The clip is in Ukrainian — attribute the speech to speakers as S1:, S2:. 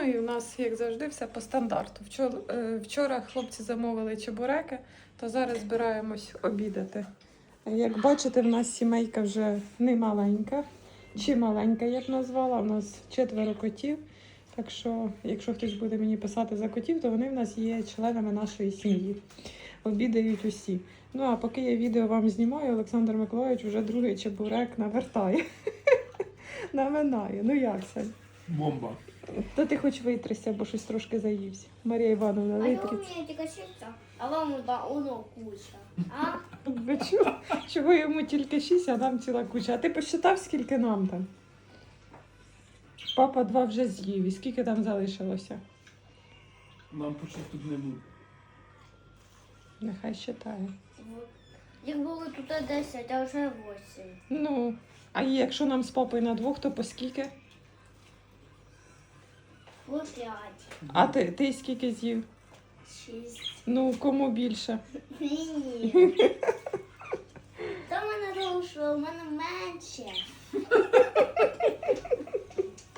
S1: і у нас, як завжди, все по стандарту. Вчора хлопці замовили чебуреки, то зараз збираємось обідати. Як бачите, в нас сімейка вже не маленька, чи маленька, як назвала. У нас 4 котів. Так що, якщо хтось буде мені писати за котів, то вони в нас є членами нашої сім'ї. Обідають усі. Ну, а поки я відео вам знімаю, Олександр Миколайович вже другий чебурек навертає. Наминає. Ну як, Сань?
S2: Бомба.
S1: Та ти хоч витрися, бо щось трошки заївся. Марія Івановна,
S3: А я
S1: витріться.
S3: умею тільки шість, а вам воно куча. А?
S1: Ви чого йому тільки 6, а нам ціла куча. А ти посчитав, скільки нам там? Папа 2 вже з'їв. І скільки там залишилося?
S2: Нам почти тут не буде.
S1: Нехай считає.
S3: Їх було тут 10, а вже 8.
S1: Ну, а якщо нам з папою на 2, то по скільки?
S3: По 5.
S1: А ти скільки з'їв?
S3: 6.
S1: Ну, кому більше?
S3: Ні. Та в мене довше, у мене менше.